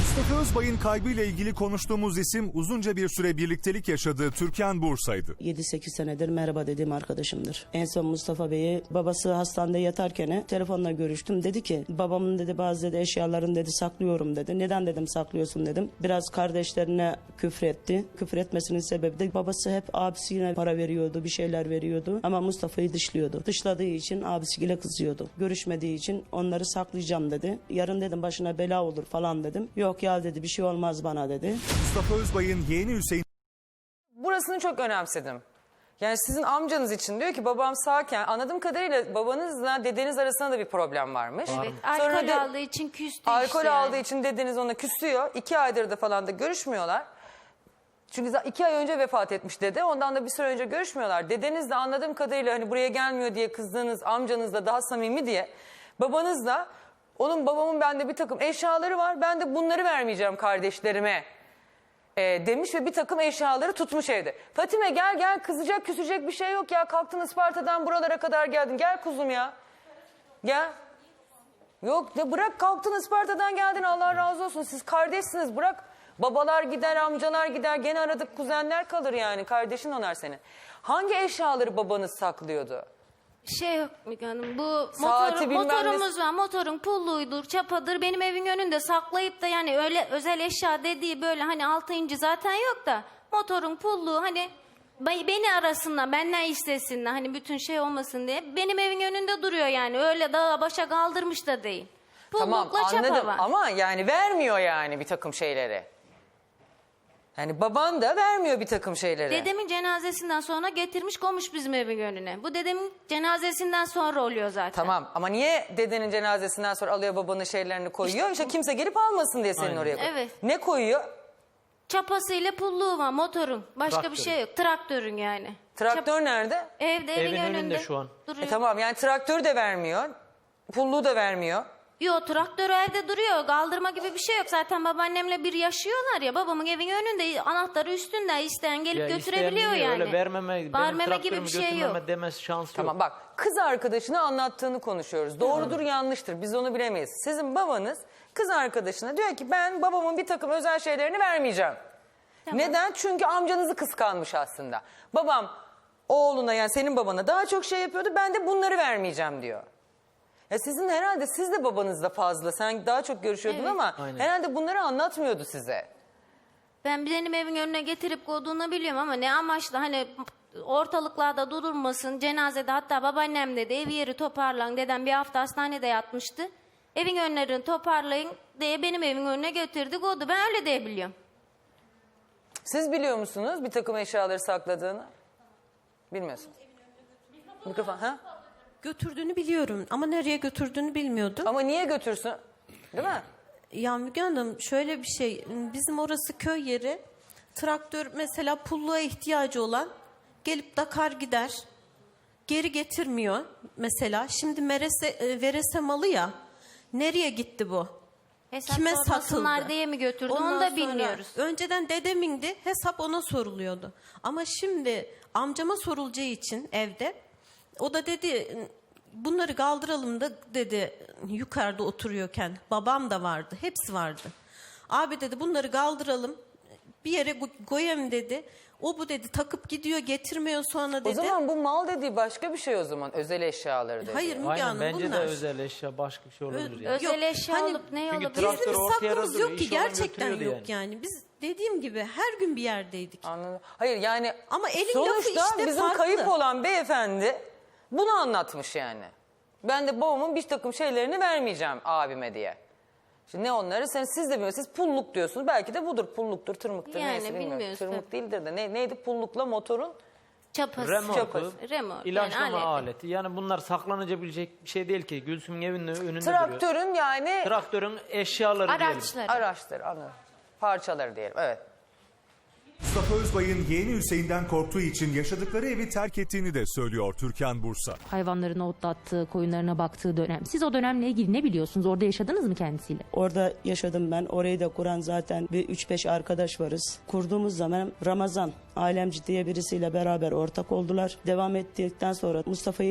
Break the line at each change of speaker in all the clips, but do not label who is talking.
Mustafa Özbay'ın kaybıyla ilgili konuştuğumuz isim uzunca bir süre birliktelik yaşadığı Türkan Bursa'ydı.
7-8 senedir merhaba dediğim arkadaşımdır. En son Mustafa Bey'i babası hastanede yatarken telefonla görüştüm. Dedi ki babamın dedi bazı dedi eşyalarını dedi saklıyorum dedi. Neden dedim saklıyorsun dedim. Biraz kardeşlerine küfretti. Küfür etmesinin sebebi de babası hep abisine para veriyordu, bir şeyler veriyordu. Ama Mustafa'yı dışlıyordu. Dışladığı için abisiyle kızıyordu. Görüşmediği için onları saklayacağım dedi. Yarın dedim başına bela olur falan dedim. Yok ya dedi bir şey olmaz bana dedi.
Mustafa Özbay'ın yeğeni Hüseyin
Burasını çok önemsedim. Yani sizin amcanız için diyor ki babam sağken anladığım kadarıyla babanızla dedeniz arasında da bir problem varmış.
Evet,
Sonra
alkol aldığı için küstü
alkol
işte
aldığı
yani.
için dedeniz ona küsüyor. 2 aydır da falan da görüşmüyorlar. Çünkü 2 ay önce vefat etmiş dede. Ondan da bir süre önce görüşmüyorlar. Dedeniz de anladığım kadarıyla hani buraya gelmiyor diye kızdığınız amcanızla daha samimi diye. Babanız da babamın bende bir takım eşyaları var. Ben de bunları vermeyeceğim kardeşlerime demiş ve bir takım eşyaları tutmuş evde. Fatime gel kızacak küsecek bir şey yok ya. Kalktın Isparta'dan buralara kadar geldin. Gel kuzum ya. Gel. Yok de bırak kalktın Isparta'dan geldin Allah razı olsun. Siz kardeşsiniz bırak. Babalar gider amcalar gider gene aradık kuzenler kalır yani. Kardeşin onar seni. Hangi eşyaları babanız saklıyordu?
Şey yok Müge Hanım, bu
Saati bilmem
motorumuz var, motorun pulluydur, çapadır, benim evin önünde saklayıp da yani öyle özel eşya dediği böyle hani 6 inci zaten yok da motorun pulluğu hani beni arasınlar, benden istesinler hani bütün şey olmasın diye benim evin önünde duruyor yani öyle dağa başa kaldırmış da değil.
Tamam
Pullukla çapa
anladım
var.
ama yani vermiyor yani bir takım şeyleri. Yani baban da vermiyor bir takım şeyleri.
Dedemin cenazesinden sonra getirmiş koymuş bizim evin önüne. Bu dedemin cenazesinden sonra oluyor zaten.
Tamam ama niye dedenin cenazesinden sonra alıyor babanın şeylerini koyuyor? İşte kimse gelip almasın diye senin oraya koyuyor.
Evet.
Ne koyuyor?
Çapasıyla pulluğu var motorun. Başka bir şey yok. Traktörün yani.
Traktör nerede?
Evde evin önünde
şu an.
duruyor.
Tamam yani traktör de vermiyor. Pulluğu da vermiyor.
Yo traktör evde duruyor. Kaldırma gibi bir şey yok. Zaten babaannemle bir yaşıyorlar ya. Babamın evin önünde anahtarı üstünde. İsteyen gelip götürebiliyor yani.
Öyle vermeme
gibi bir şey yok.
demez şans
Tamam
yok.
bak kız arkadaşına anlattığını konuşuyoruz. Doğrudur yanlıştır biz onu bilemeyiz. Sizin babanız kız arkadaşına diyor ki ben babamın bir takım özel şeylerini vermeyeceğim.
Tamam.
Neden? Çünkü amcanızı kıskanmış aslında. Babam oğluna yani senin babana daha çok şey yapıyordu ben de bunları vermeyeceğim diyor. Ya sizin herhalde siz de babanızla fazla sen daha çok görüşüyordun
Evet.
ama
Aynen.
herhalde bunları anlatmıyordu size.
Ben benim evin önüne getirip koyduğunu biliyorum ama ne amaçla hani ortalıklarda durulmasın. Cenazede hatta babaannem dedi ev yeri toparlan. Dedem bir hafta hastanede yatmıştı. Evin önlerini toparlayın diye benim evin önüne getirdi koydu. Ben öyle diye biliyorum.
Siz biliyor musunuz bir takım eşyaları sakladığını? Bilmiyorsunuz. Mikrofon ha?
Götürdüğünü biliyorum ama nereye götürdüğünü bilmiyordum.
Ama niye götürsün? Değil mi?
Ya Müge Hanım şöyle bir şey, bizim orası köy yeri. Traktör mesela pulluğa ihtiyacı olan gelip dakar gider. Geri getirmiyor mesela. Şimdi verese malı ya. Nereye gitti bu?
Hesap
Kime
sormasınlar
satıldı?
diye mi götürdü
Ondan
onu da
sonra
bilmiyoruz.
Önceden dedemindi, hesap ona soruluyordu. Ama şimdi amcama sorulacağı için evde, o da dedi bunları kaldıralım da dedi yukarıda oturuyorken babam da vardı, hepsi vardı. Abi dedi bunları kaldıralım bir yere koyayım dedi. O bu dedi takıp gidiyor getirmiyor sonra dedi.
O zaman bu mal dediği başka bir şey o zaman. Özel eşyaları dedi.
Hayır Müge
Aynen
Hanım
bence
bunlar.
de özel eşya başka bir şey olabilir yani.
Özel
Yok,
eşya
hani-
alıp ne
Çünkü
alıp
traktör
Bizim
ortaya
saklımız
duruyor,
yok ki
iş olan
gerçekten
götürüyordu
yok
yani.
yani. Biz dediğim gibi her gün bir yerdeydik.
Anladım. Hayır yani
Ama elin
sonuçta
lafı işte
bizim
farklı.
kayıp olan beyefendi bunu anlatmış yani. Ben de babamın bir takım şeylerini vermeyeceğim abime diye. Şimdi ne onları siz de bilmiyorsunuz. Siz pulluk diyorsunuz. Belki de budur pulluktur, tırmıktır
Yani
neyse bilmiyorum.
bilmiyoruz
Tırmık
tabii.
değildir de neydi pullukla motorun?
çapası.
Remorku,
Remork,
ilaçlama
yani
aleti. Yani bunlar saklanabilecek bir şey değil ki. Gülsüm'ün evinin önünde duruyor.
Traktörün yani
Traktörün eşyaları diyelim.
Araçları.
araçları anladım. Parçaları diyelim evet.
Mustafa Özbay'ın yeğeni Hüseyin'den korktuğu için yaşadıkları evi terk ettiğini de söylüyor Türkan Bursa.
Hayvanlarını otlattığı, koyunlarına baktığı dönem. Siz o dönemle ilgili ne biliyorsunuz? Orada yaşadınız mı kendisiyle?
Orada yaşadım ben. Orayı da kuran zaten bir 3-5 arkadaş varız. Kurduğumuz zaman Ramazan Alemci diye birisiyle beraber ortak oldular. Devam ettikten sonra Mustafa'yı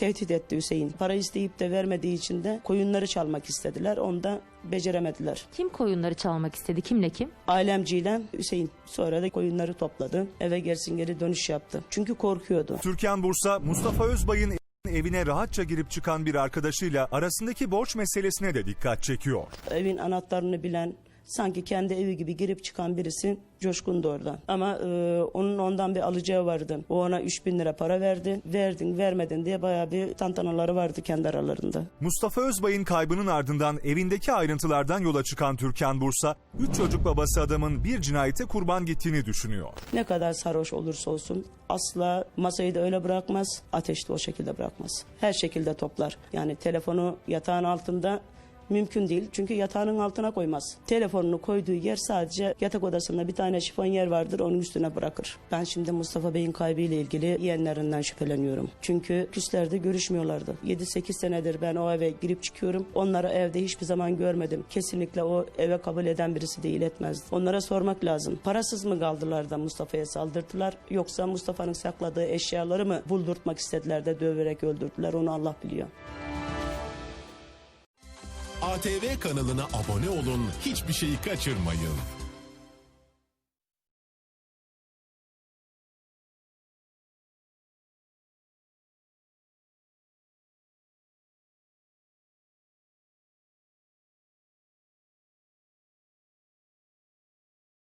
tehdit etti Hüseyin. Para isteyip de vermediği için de koyunları çalmak istediler. Onu da beceremediler.
Kim koyunları çalmak istedi? Kimle kim?
Ailemciyle Hüseyin sonra da koyunları topladı. Eve geri dönüş yaptı. Çünkü korkuyordu.
Türkan Bursa, Mustafa Özbay'ın evine rahatça girip çıkan bir arkadaşıyla arasındaki borç meselesine de dikkat çekiyor.
Evin anahtarını bilen, sanki kendi evi gibi girip çıkan birisi Coşkun'du orada. Ama onun ondan bir alacağı vardı. O ona 3.000 lira para verdi. Verdin vermedin diye bayağı bir tantanaları vardı kendi aralarında.
Mustafa Özbay'ın kaybının ardından evindeki ayrıntılardan yola çıkan Türkan Bursa, 3 çocuk babası adamın bir cinayete kurban gittiğini düşünüyor.
Ne kadar sarhoş olursa olsun asla masayı da öyle bırakmaz, ateşi de o şekilde bırakmaz. Her şekilde toplar. Yani telefonu yatağın altında mümkün değil. Çünkü yatağının altına koymaz. Telefonunu koyduğu yer sadece yatak odasında bir tane şifonyer vardır, onun üstüne bırakır. Ben şimdi Mustafa Bey'in kaybıyla ilgili yeğenlerinden şüpheleniyorum. Çünkü küslerde görüşmüyorlardı. 7-8 senedir ben o eve girip çıkıyorum. Onları evde hiçbir zaman görmedim. Kesinlikle o eve kabul eden birisi değil, etmezdi. Onlara sormak lazım. Parasız mı kaldılar da Mustafa'ya saldırdılar? Yoksa Mustafa'nın sakladığı eşyaları mı buldurtmak istediler de döverek öldürdüler? Onu Allah biliyor.
ATV kanalına abone olun, hiçbir şeyi kaçırmayın.